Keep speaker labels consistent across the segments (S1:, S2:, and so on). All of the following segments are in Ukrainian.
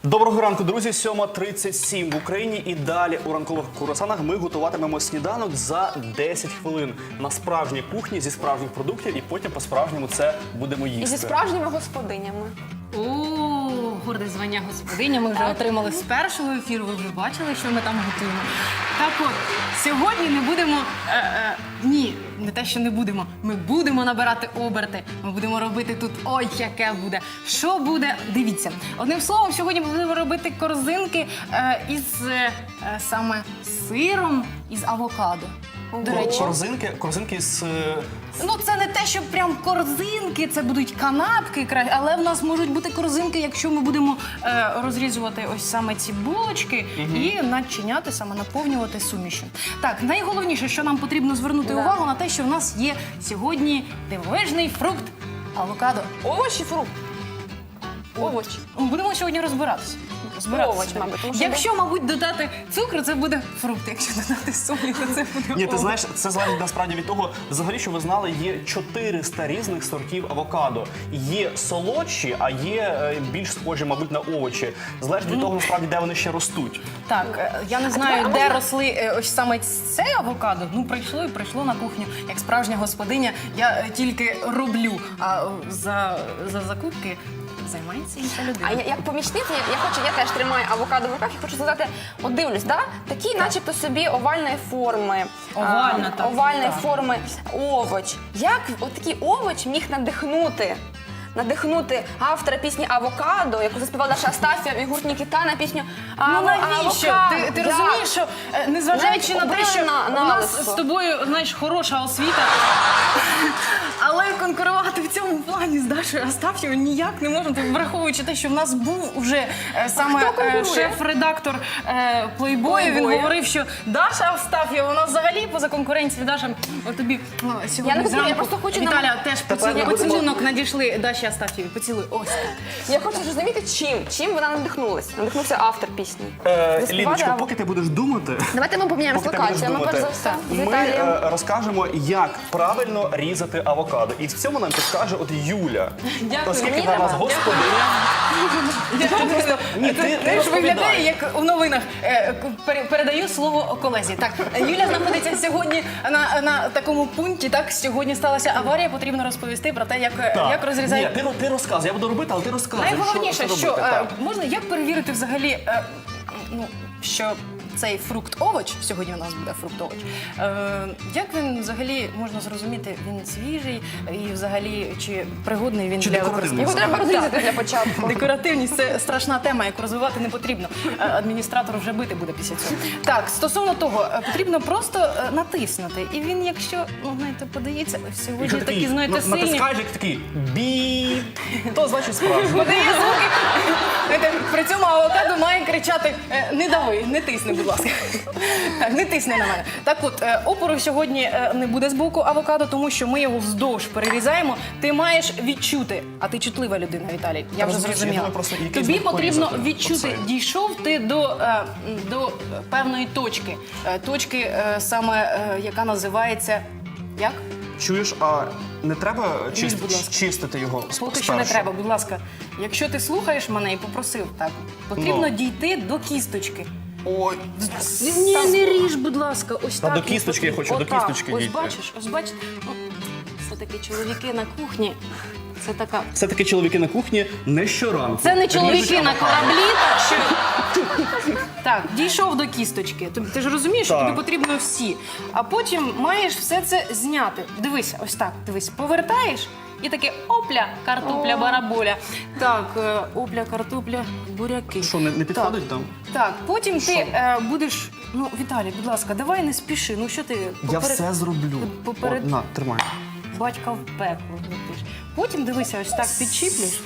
S1: Доброго ранку, друзі. 7:37 в Україні і далі у ранкових круасанах ми готуватимемо сніданок за 10 хвилин на справжній кухні зі справжніх продуктів і потім по-справжньому це будемо їсти.
S2: І зі справжніми господинями.
S3: О, горде звання господиня ми вже отримали з першого ефіру, ви вже бачили, що ми там готуємо. Так от, сьогодні не будемо, ні, не те, що не будемо, ми будемо набирати оберти, ми будемо робити тут, ой, яке буде. Що буде? Дивіться. Одним словом, сьогодні ми будемо робити корзинки із саме сиром із авокадо. До речі,
S1: корзинки з...
S3: ну, це не те, що прям корзинки, це будуть канапки, але в нас можуть бути корзинки, якщо ми будемо розрізувати ось саме ці булочки і начиняти, саме наповнювати сумішю. Так, найголовніше, що нам потрібно звернути увагу на те, що в нас є сьогодні дивовижний фрукт авокадо.
S2: Овочі, фрукт. Овочі.
S3: Будемо сьогодні розбиратися.
S2: Овоч, мабуть. Тому що
S3: Якщо, мабуть, додати цукру, це буде фрукт. Якщо додати солі, то це буде
S1: Ні, ти
S3: овоч.
S1: знаєш, це залежить насправді від того, взагалі, що ви знали, є 400 різних сортів авокадо. Є солодші, а є більш схожі, мабуть, на овочі. Залежить від того, насправді, де вони ще ростуть.
S3: Так, я не знаю, де росли ось саме це авокадо. Ну, прийшло і прийшло на кухню. Як справжня господиня, я тільки роблю, а за закупки займається інша людина.
S2: А як помічниця, я теж тримаю авокадо в руках і хочу сказати, от дивлюсь, да? Такий начебто собі овальної форми, овальної форми овоч. Як от такий овоч міг надихнути автора пісні «Авокадо», яку заспівала наша Астафія і гурт Нікіта на пісню
S3: Ну навіщо?
S2: «Авокадо».
S3: Ти розумієш, що незважаючи на те, що у нас з тобою, знаєш, хороша освіта, але конкурувати в цьому плані з Дашою Астафєвою ніяк не можна, враховуючи те, що в нас був уже саме шеф-редактор Плейбою, він говорив, що Даша Астафєва, вона взагалі поза конкуренцією. Даша, тобі сьогодні зранку,
S2: я просто хочу
S3: Віталя, теж поцілунок надійшли Даші Астафєві. Поцілуй, ось.
S2: Я хочу зрозуміти, чим вона надихнулася. Надихнувся автор пісні.
S1: Ліночко, поки ти будеш думати...
S2: Давайте ми поміняємо локацію. Ми перш за все з Віталієм.
S1: Ми розкажемо, як правильно різати авокадо. І в цьому нам підкаже от Юля.
S3: Дякую.
S1: Оскільки вона у нас господиня. Ні, ти
S3: Теж виглядає,
S1: розповідай.
S3: як у новинах. Передаю слово колезі. Так, Юля знаходиться сьогодні на такому пункті. Так, сьогодні сталася аварія, потрібно розповісти про те, як розрізають.
S1: Ні, ти розказуй, я буду робити, але ти розказуй.
S3: Найголовніше, що
S1: робити, так.
S3: можна як перевірити взагалі, що цей фрукт-овоч, сьогодні у нас буде фрукт-овоч, як він взагалі можна зрозуміти, він свіжий і взагалі чи пригодний він
S1: Чи
S3: для
S1: декоративний?
S3: використання?
S2: Його треба розрізати для початку.
S3: Декоративність – це страшна тема, яку розвивати не потрібно. Адміністратор вже бити буде після цього. Так, стосовно того, потрібно просто натиснути. І він, якщо, знаєте, подається, сьогодні
S1: Якщо
S3: такі, знаєте, сильні.
S1: натискаєш, як такий біп, то значить справді.
S3: Подає звуки. Знаєте, при цьому авокадо має кричати «Не дави, не тисни, будь ласка». Так, не тисни на мене. Так от, опору сьогодні не буде з боку авокадо, тому що ми його вздовж перерізаємо. Ти маєш відчути, а ти чутлива людина, Віталій, я вже зрозуміла. Тобі потрібно відчути, дійшов ти до певної точки. Точки саме, яка називається, як?
S1: Чуєш, а не треба
S3: будь ласка.
S1: чистити його
S3: Поки що не треба, будь ласка. Якщо ти слухаєш мене і попросив, так, потрібно дійти до кісточки.
S1: Ой,
S3: Ні, не ріж, будь ласка, ось
S1: Та
S3: так.
S1: до кісточки я хочу, до
S3: Отак.
S1: кісточки
S3: Ось
S1: дійти.
S3: бачиш, все-таки чоловіки на кухні, це така...
S1: все-таки чоловіки на кухні не щоранку.
S3: Це не чоловіки
S1: ріжуть
S3: на
S1: авокадо.
S3: кораблі, так що... Так, дійшов до кісточки. Ти ж розумієш, що
S1: Так.
S3: тобі потрібно всі. А потім маєш все це зняти. Дивися, ось так, дивись, повертаєш і таке опля, картопля, бараболя. Так, опля, картопля, буряки.
S1: Що, не підходить там?
S3: Так, потім ти будеш... Ну, Віталій, будь ласка, давай не спіши. Ну, що ти...
S1: Я все зроблю.
S3: Поперед...
S1: О, на, тримай.
S3: Батька в пекло летиш. Потім дивися, ось так підчіплюєш.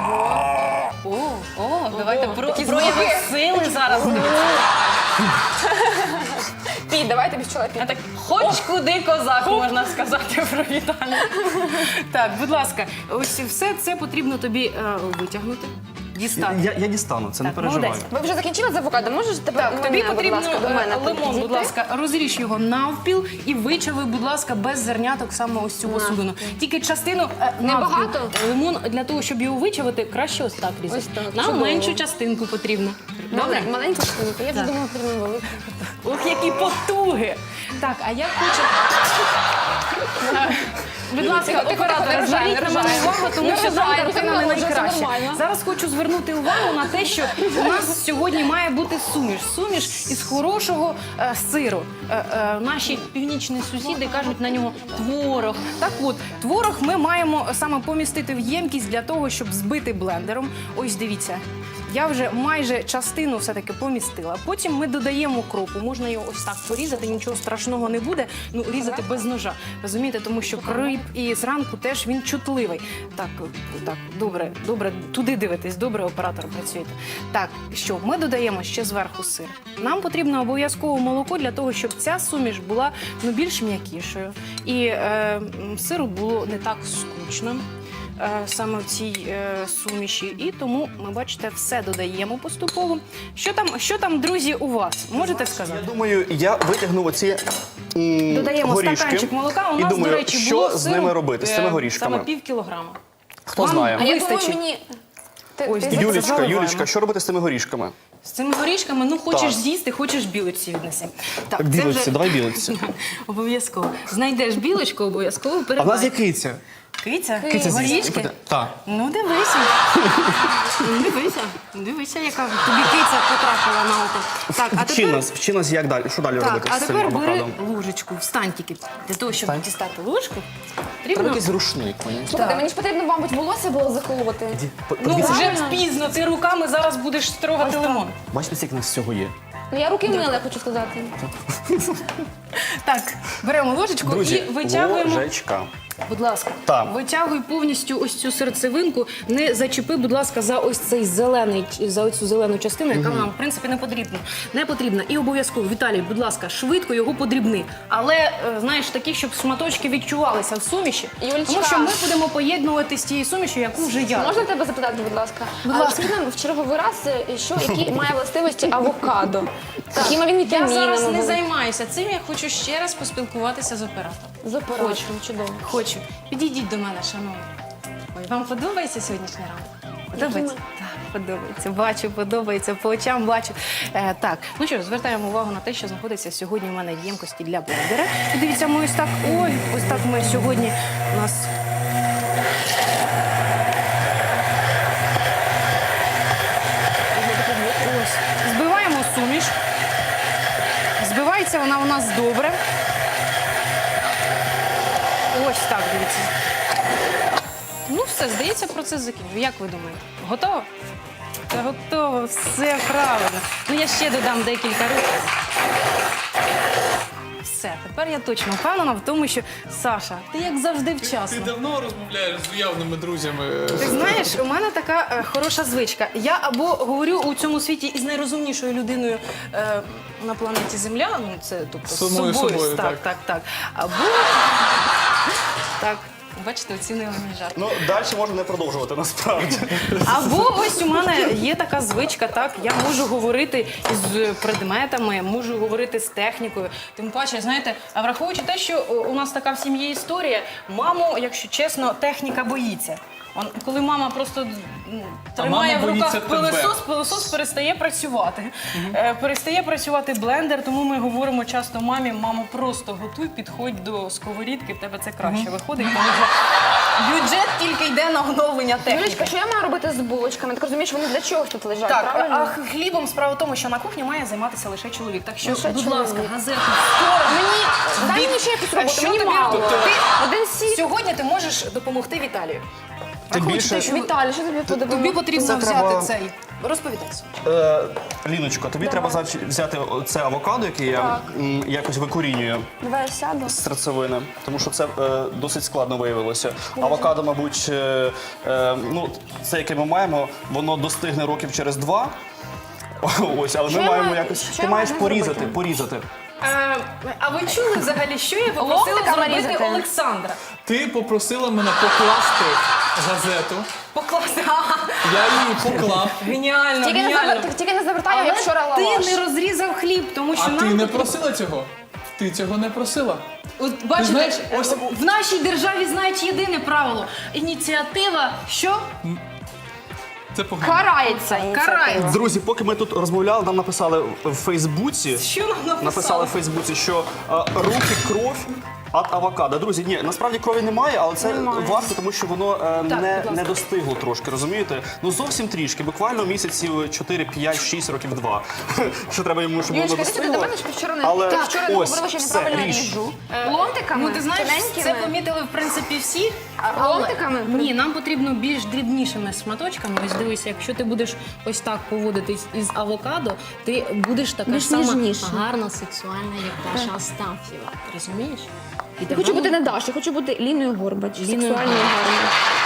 S3: О, давайте прояви сили зараз.
S2: Пій, давай тобі з чоловіком.
S3: Так, хоч куди козак, можна сказати про Віталія. Так, будь ласка, ось все це потрібно тобі витягнути. дістати.
S1: Я дістану, це не
S3: Так,
S1: переживай.
S3: молодець.
S2: Ви вже закінчили з авокадо? Можеш тепер
S3: Так, тобі
S2: мене, будь
S3: потрібно
S2: ласка, до мене
S3: лимон, будь
S2: підійти?
S3: ласка, розріж його навпіл і вичави, будь ласка, без зерняток саме ось цю посудину. Тільки частину
S2: Небагато?
S3: навпіл. Лимон для того, щоб його вичавити, краще ось так різати.
S2: Ось так,
S3: Нам
S2: чудово.
S3: меншу частинку потрібно. Добре?
S2: Маленьку штуку. Я вже думала, потрібно велику.
S3: Ох, які потуги! Так, а я хочу. Будь ласка,
S2: Тихо, тихо,
S3: оператор,
S2: не
S3: зверніть
S2: ржай,
S3: на мене
S2: не ржай.
S3: увагу, тому
S2: Не
S3: що там
S2: ржай,
S3: картина
S2: це
S3: не
S2: вже
S3: найкраща.
S2: нормально.
S3: Зараз хочу звернути увагу на те, що у нас сьогодні має бути суміш. Суміш із хорошого сиру. Наші північні сусіди кажуть на нього творог. Так от, творог ми маємо саме помістити в ємкість для того, щоб збити блендером. Ось дивіться. Я вже майже частину все-таки помістила. Потім ми додаємо укропу. Можна його ось так порізати, нічого страшного не буде. Ну, різати без ножа. Розумієте, тому що кріп і зранку теж він чутливий. Так, добре, туди дивитесь, добре, оператор працюєте. Так, що ми додаємо ще зверху сир. Нам потрібно обов'язково молоко для того, щоб ця суміш була більш м'якішою. І сиру було не так скучно. Саме в цій суміші. І тому ми, бачите, все додаємо поступово. Що там, друзі, у вас? Можете сказати?
S1: Я думаю, я витягнув оці
S3: Додаємо
S1: горішки.
S3: стаканчик молока. У
S1: І
S3: нас,
S1: думаю,
S3: до речі,
S1: що
S3: було
S1: з
S3: сиру,
S1: ними робити, з цими горішками?
S3: Саме пів кілограма.
S1: Хто
S3: Вам
S1: знає?
S2: А я думаю,
S3: вистачить.
S2: мені...
S3: Ось,
S2: ти
S3: дивіться, заливаємо.
S1: Юлічка, що робити з цими горішками?
S3: З цими горішками, ну, хочеш
S1: Так.
S3: з'їсти, хочеш білочці віднеси. Так, це
S1: Білочці,
S3: вже-
S1: давай білочці.
S3: Обов'язково. Знайдеш білочку, обов'язково
S1: А в
S3: передай.
S1: нас є киця.
S3: Киця?
S1: Киця
S3: Горішки?
S1: Так.
S3: Ну, дивися. Дивися, яка тобі киця потрапила на око. Так, а тепер...
S1: Вчи нас, як далі, що далі
S3: Так,
S1: робити
S3: а
S1: з цим
S3: тепер бери
S1: авокадом?
S3: ложечку, встань тільки. Для того, щоб
S1: Встань.
S3: дістати ложку,
S1: Треба
S3: потрібно...
S1: якийсь рушник мені.
S2: Слухайте, мені ж потрібно, мабуть, волосся було заколоти.
S3: Ну,
S1: Подивіться,
S3: вже пізно, ти руками зараз будеш строгати лимон.
S1: бачите, скільки нас всього є.
S2: Ну, я руки мила, хочу сказати.
S3: Так, беремо ложечку
S1: Друзі,
S3: і витягуємо.
S1: ложечка.
S3: Будь ласка,
S1: Так.
S3: витягуй повністю ось цю серцевинку, не зачепи, будь ласка, за ось цей зелений, за ось цю зелену частину, яка нам, в принципі, не потрібна. І обов'язково, Віталій, будь ласка, швидко його подрібни. Але, знаєш, такі, щоб шматочки відчувалися в суміші.
S2: Юлічка.
S3: Тому що ми будемо поєднувати з тією сумішю, яку вже я.
S2: Можна тебе запитати, будь ласка?
S3: Будь ласка.
S2: Скажи нам в черговий раз, які має властивості авокадо? Якими він
S3: Я
S2: вітамінами?
S3: зараз не
S2: були?
S3: займаюся цим, я хочу ще раз поспілкуватися з оператором.
S2: З оператором, чудово.
S3: Хочу. Підійдіть до мене, шановні. Ой, вам подобається сьогоднішній ранок? Подобається? Так, подобається. Бачу, подобається, по очам бачу. Так, ну що ж, звертаємо увагу на те, що знаходиться сьогодні у мене в ємкості для блендера. І дивіться, ми ось так, ось так ми сьогодні у нас... Ось, збиваємо суміш. Збивається вона у нас добре. Ось так, дивіться. Ну все, здається, процес закінчив. Як ви думаєте? Готово? Та готово, все правильно. Ну я ще додам декілька рухів. Все, тепер я точно впевнена в тому, що Саша, ти як завжди
S4: Ти
S3: вчасно.
S4: давно розмовляєш з уявними друзями.
S3: Ти знаєш, у мене така хороша звичка. Я або говорю у цьому світі із найрозумнішою людиною на планеті Земля, ну це тобто з
S4: Самою собою,
S3: так. Або так, бачите, оцінили мій жарт.
S1: Ну, далі можна не продовжувати, насправді.
S3: Або ось у мене є така звичка, так, я можу говорити із предметами, можу говорити з технікою. Тим паче, знаєте, а враховуючи те, що у нас така в сім'ї історія, маму, якщо чесно, техніка боїться. Коли мама просто тримає
S4: мама
S3: в руках
S4: боїться тебе.
S3: пилосос перестає працювати. Перестає працювати блендер, тому ми говоримо часто мамі, мамо, просто готуй, підходь до сковорідки, в тебе це краще виходить, тому що бюджет тільки йде на оновлення техніки.
S2: Юлічка, що я маю робити з булочками? Так розумієш, вони для чогось тут лежать,
S3: Так,
S2: правильно?
S3: а хлібом справа в тому, що на кухні має займатися лише чоловік. Так що,
S2: Лише
S3: будь
S2: чоловік.
S3: ласка, газету в сторону.
S2: Дай мені ще якусь роботу,
S3: Що
S2: мені
S3: тобі
S2: мало.
S3: робити?
S2: Один сік.
S3: Сьогодні ти можеш допомогти Віталію.
S1: Тим
S3: Враховуючи
S1: більше-
S3: те, що
S2: Віталій, що тобі
S3: тобі
S2: подобається?
S3: потрібно
S1: Це
S3: взяти
S1: треба-
S3: цей. Розповідай.
S1: Ліночко, тобі треба взяти це авокадо, яке я якось викорінюю
S2: Давай я сяду.
S1: з серцевини, тому що це досить складно виявилося. Авокадо, мабуть, ну, це, яке ми маємо, воно достигне років через 2. Ось, але
S2: Що
S1: ми
S2: я
S1: маємо
S2: маю-
S1: якось.
S2: що
S1: Ти
S2: я
S1: маєш
S2: маю
S1: порізати,
S2: зробити?
S1: порізати.
S3: А ви чули взагалі, що я попросила
S2: Ломтиками
S3: зробити
S2: різати?
S3: Олександра?
S4: Ти попросила мене покласти газету,
S3: Покласти.
S4: я її поклав,
S3: Геніально,
S2: Тільки
S3: геніально.
S2: не завертай,
S3: Але
S2: як вчора
S3: ти
S2: лаваш.
S3: не розрізав хліб, тому що
S4: а ти
S3: нам...
S4: не просила цього? Ти цього не просила.
S3: От, бачите,
S4: знаєш, ось-
S3: в нашій державі знають єдине правило. Ініціатива, що?
S4: Це погано.
S2: Карається.
S3: Карається.
S1: Друзі, поки ми тут розмовляли, нам написали в Фейсбуці.
S3: Що нам написали?
S1: Написали в Фейсбуці, що руки кров від авокадо. Друзі, ні, насправді крові немає, але це варто, тому що воно не достигло трошки, розумієте? Ну зовсім трішки, буквально місяців 4, 5, 6 років 2. Що треба йому, щоб воно
S2: Юлечка, ти сюди до
S1: достигло.
S2: мене, що вчора не
S1: Але
S2: вчора не
S1: ось,
S2: говорила, що
S1: все,
S2: неправильно
S1: ріж.
S2: ріжу. Ломтиками,
S3: Ну, ти знаєш, це
S2: тоненькими.
S3: помітили, в принципі, всі.
S2: Ломтиками?
S3: Ні, нам потрібно більш дрібнішими шматочками. Ось дивися, якщо ти будеш ось так поводитись із авокадо, ти будеш така
S2: Більш
S3: ж сама
S2: ніжніше.
S3: гарна, сексуальна, як Даша Астаф'єва. Розумієш? І
S2: Я хочу бути не Даша, хочу бути Ліною Горбач, сексуальною гарною.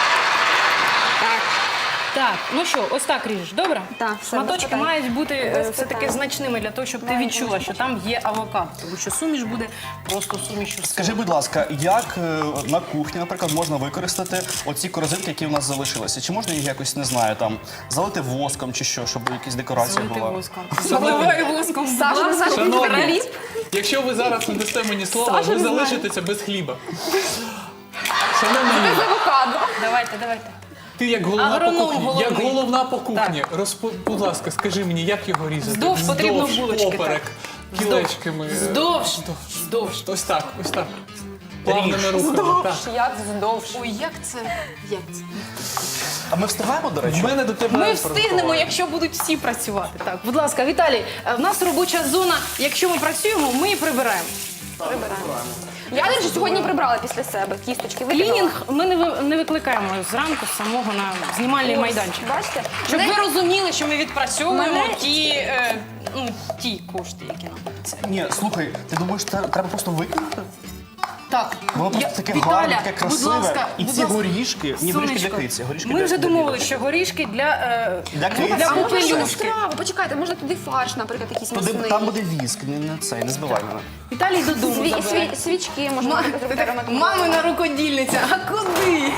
S3: Так, ну що, ось так ріжеш, добре?
S2: Так, все,
S3: Шматочки
S2: без питань.
S3: мають бути
S2: Без
S3: все-таки
S2: питань.
S3: значними для того, щоб ти відчула, що там є авокадо. Тому що суміш буде просто сумішю.
S1: Скажи, будь ласка, як на кухні, наприклад, можна використати оці корзинки, які в нас залишилися? Чи можна їх якось, не знаю, там залити воском чи що, щоб якісь декорації
S3: Залити
S1: була?
S3: воском. Заливай воском. будь
S2: Саша,
S3: ласка.
S2: Саша,
S4: Шановні, якщо ви зараз не дасте мені слова,
S2: Саша
S4: ви
S2: не знає.
S4: залишитеся без хліба. Шановна
S2: Без
S4: Юля,
S2: авокадо.
S3: Давайте.
S4: ти як головна по
S3: Агроном
S4: кухні,
S3: головний.
S4: як головна по кухні, будь ласка, скажи мені, як його різати?
S3: Вздовж потрібно булочки,
S4: поперек, кілечками.
S3: Вздовж.
S4: Ось так, ось так. Плавними рухами. Так.
S2: Як вздовж.
S3: Ой, як це? Як це?
S1: А ми встигаємо, до речі?
S4: В мене до тебе
S3: Ми встигнемо, якщо будуть всі працювати. Так, будь ласка, Віталій, в нас робоча зона. Якщо ми працюємо, ми і прибираємо.
S2: Я, до речі, сьогодні прибрала після себе кісточки. викинула.
S3: Клінінг ми не викликаємо зранку самого на знімальний майданчик.
S2: Бачите?
S3: Щоб
S2: Мене-
S3: ви розуміли, що ми відпрацьовуємо
S2: Мене-
S3: ті кошти, які нам.
S1: Ні, слухай, ти думаєш, це треба просто викинути?
S3: Так,
S1: Воно просто таке
S3: Віталя,
S1: гарне, таке
S3: будь
S1: красиве.
S3: ласка,
S1: І
S3: будь
S1: ці
S3: ласка.
S1: горішки, ні, горішки для
S3: Сонечко,
S1: киці, горішки
S3: ми
S1: для
S3: вже
S1: для
S3: домовилися,
S1: білочки.
S3: що горішки для
S1: Для киці.
S2: Там можна
S3: попелюшки.
S2: страви. Почекайте, можна туди фарш, наприклад, якийсь
S1: Туди,
S2: м'ясний.
S1: там буде віск, не цей, не збивай мене.
S3: Віталій додому забере.
S2: Свічки можна зробити ароматизувати.
S3: Мамина рукодільниця, а куди?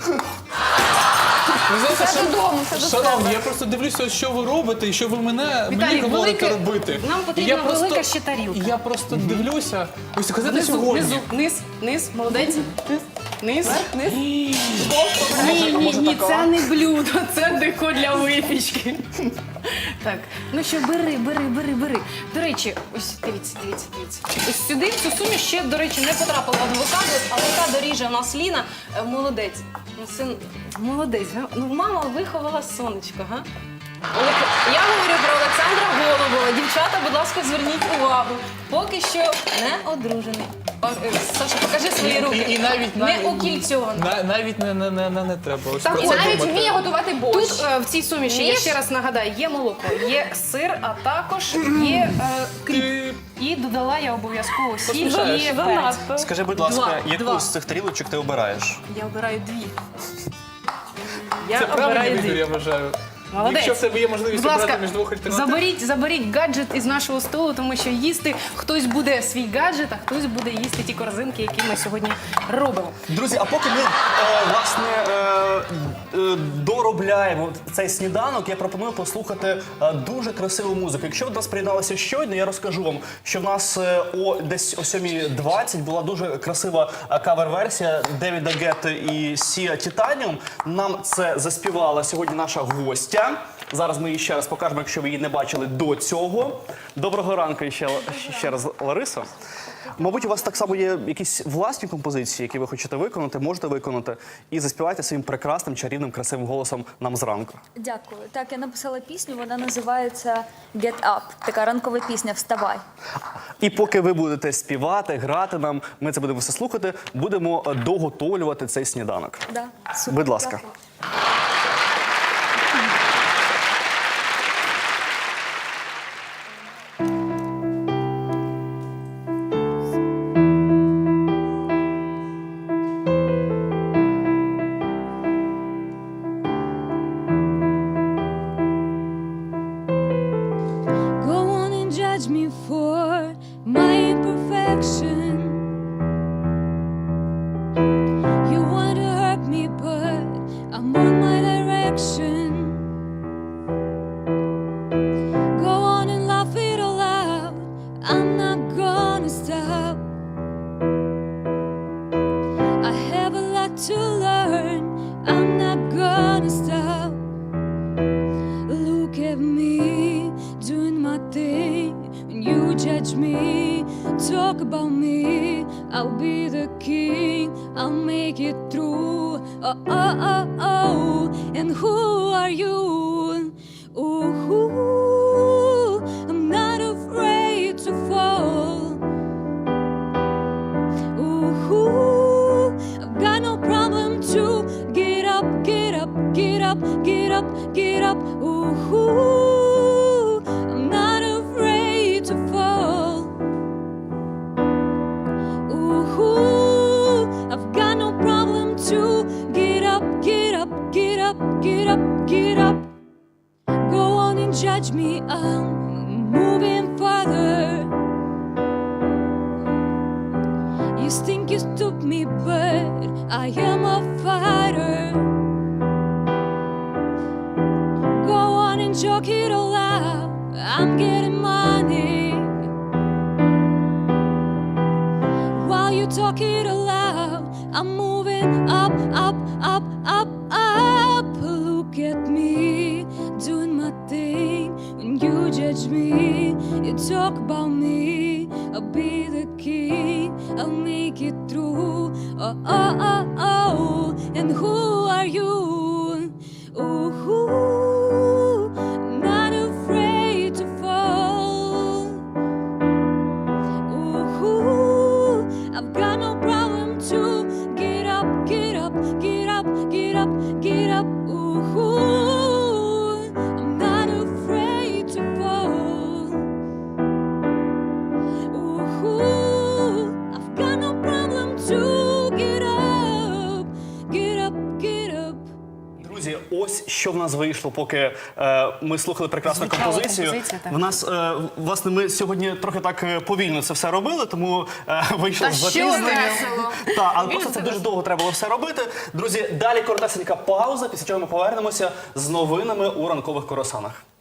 S4: Ви знаєте,
S2: Все додому, все до
S4: Шановні,
S2: себе.
S4: я просто дивлюся, що ви робите і що ви мені
S3: Віталій,
S4: говорите
S3: велике-
S4: робити.
S3: нам потрібна
S4: І я просто-
S3: велика ще тарілка.
S4: і Я просто дивлюся. Ось казати
S3: Внизу,
S4: сьогодні.
S3: низ, молодець. Низ.
S2: Низ.
S3: Ні, це не блюдо, це деко для випічки. Так, ну що, бери. До речі, ось дивіться. Ось сюди, в цю суміш ще, до речі, не потрапила авокадо. Авокадо ріже у нас Ліна. Молодець. Ну, син, молодець. Га? Ну, мама виховала сонечко, га? Я говорю про Олександра Голубова. Дівчата, будь ласка, зверніть увагу. Поки що не одружений. Саша, покажи свої руки.
S4: І навіть
S3: Не укільцьований.
S4: навіть не треба. Ось
S2: Так,
S4: про
S2: і
S4: це
S2: навіть
S4: думати.
S2: вміє готувати борщ.
S3: Тут в цій суміші, я
S2: Вмієш?
S3: ще раз нагадаю, є молоко, є сир, а також є кріп. І додала я обов'язково сіль
S4: Поспішаєш.
S3: і перець.
S1: Скажи, будь ласка,
S3: Два.
S1: яку з цих тарілочок ти обираєш?
S3: Я обираю дві. Я
S4: Це правильний
S3: обираю
S4: вибір,
S3: дві.
S4: я вважаю.
S3: Молодець.
S4: Якщо в тебе є можливість
S3: Будь ласка,
S4: обрати між двох альтернатив.
S3: заберіть гаджет із нашого столу, тому що їсти хтось буде свій гаджет, а хтось буде їсти ті корзинки, які ми сьогодні робимо.
S1: Друзі, а поки ми власне доробляємо цей сніданок, я пропоную послухати дуже красиву музику. Якщо ви до нас приєдналися щойно, я розкажу вам, що в нас десь о 7:20 була дуже красива кавер-версія Девіда Гетти і Сія Титаніум. Нам це заспівала сьогодні наша гостя. Зараз ми її ще раз покажемо, якщо ви її не бачили до цього. Доброго ранку ще раз, Лариса. Мабуть, у вас так само є якісь власні композиції, які ви хочете виконати, можете виконати, і заспівайте своїм прекрасним, чарівним, красивим голосом нам зранку.
S5: Дякую. Так, я написала пісню, вона називається «Get Up». Така ранкова пісня «Вставай».
S1: І поки ви будете співати, грати нам, ми це будемо все слухати, будемо доготовлювати цей сніданок.
S5: Да, супер.
S1: Будь ласка.
S5: Дякую.
S6: Go on and judge me for my imperfection. You want to hurt me, but direction. Go on and laugh it all out. I'm not gonna stop. I have a lot to learn. I'm not gonna stop. Look at me doing my thing. When you judge me, talk about me. I'll be the king. I'll make it through. Oh, oh, oh, oh. And who are you? Ooh, I'm not afraid to fall. Ooh, I've got no problem to get up, get up, get up, get up, get up. Ooh, I'm not afraid to fall. Ooh, I've got no problem to get up, get up, get up, get up, get up. Go on and judge me, I'm moving farther. You think you stopped me, but I am a fighter. Go on and joke it all out. I'm getting money. While you talk it all out, I'm moving up, up, up, up, up. Look at me, doing my thing. When you judge me, you talk about me. I'll be the king, I'll make it through. Oh, oh, oh, oh. And who are you? Ooh, not afraid to fall. Ooh, I've got no problem to get up, get up, get up, get up, get up. Ooh, I'm not afraid to fall. Ooh, I've got no problem to get up, get up, get up.
S1: Друзі, ось що в нас вийшло, поки ми слухали прекрасну
S3: Звучала
S1: композицію.
S3: композиція, так.
S1: В нас, власне, ми сьогодні трохи так повільно це все робили, тому вийшло
S2: Та
S1: з
S2: що
S1: запізненням.
S2: весело.
S1: Так, але просто це дуже довго треба було все робити. Друзі, далі коротесенька пауза, після чого ми повернемося з новинами у ранкових круасанах.